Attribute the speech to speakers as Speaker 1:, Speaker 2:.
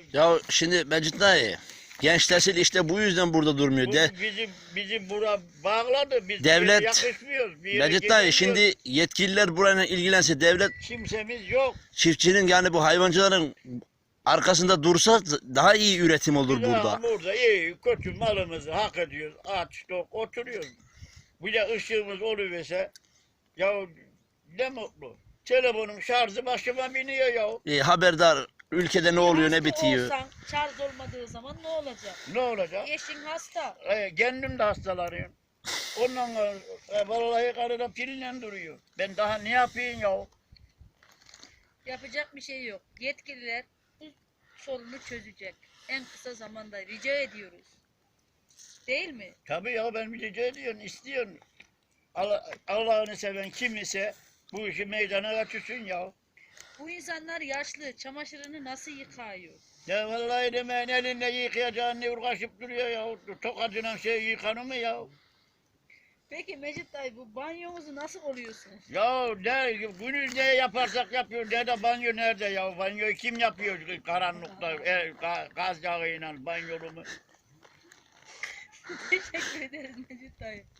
Speaker 1: Ya şimdi Mecit dayı, genç nesil işte bu yüzden burada durmuyor.
Speaker 2: Bu
Speaker 1: De,
Speaker 2: bizi bura bağladı. Biz bir
Speaker 1: devlet,
Speaker 2: yere yakışmıyoruz. Bir yere
Speaker 1: Mecit dayı
Speaker 2: gezemiyoruz.
Speaker 1: şimdi yetkililer burayla ilgilense, devlet
Speaker 2: Kimsemiz yok.
Speaker 1: çiftçinin yani bu hayvancıların arkasında dursa daha iyi üretim olur
Speaker 2: Biz
Speaker 1: burada.
Speaker 2: burada iyi kötü malımızı hak ediyoruz. Aç tok oturuyoruz. Bir de ışığımız oluverse ya ne mutlu. Telefonun şarjı başıma biniyor ya.
Speaker 1: Haberdar ülkede ne oluyor ne
Speaker 3: Hasta
Speaker 1: bitiyor.
Speaker 3: olsan şarj olmadığı zaman ne olacak?
Speaker 2: Ne olacak?
Speaker 3: Eşin hasta.
Speaker 2: Kendim de hastalanıyorum. Ondan sonra vallahi karıda pille duruyor. Ben daha ne yapayım ya?
Speaker 3: Yapacak bir şey yok. Yetkililer bu sorunu çözecek. En kısa zamanda rica ediyoruz. Değil mi?
Speaker 2: Tabii ya ben bir rica ediyorum, istiyorum. Allah'ını seven kim ise bu işi meydana götürsün ya.
Speaker 3: Bu insanlar yaşlı. Çamaşırını nasıl yıkıyor?
Speaker 2: Ya vallahi demeyin elinde yıkayacağın ne uğraşıp duruyor ya. Tokacıyla şey yıkanır mı ya?
Speaker 3: Peki Mecit dayı bu banyomuzu nasıl oluyorsunuz?
Speaker 2: Ya ne, günü ne yaparsak yapıyor. Nerede banyo nerede ya? Banyoyu kim yapıyor karanlıkta gaz yağıyla banyolumu?
Speaker 3: Teşekkür ederiz Mecit dayı.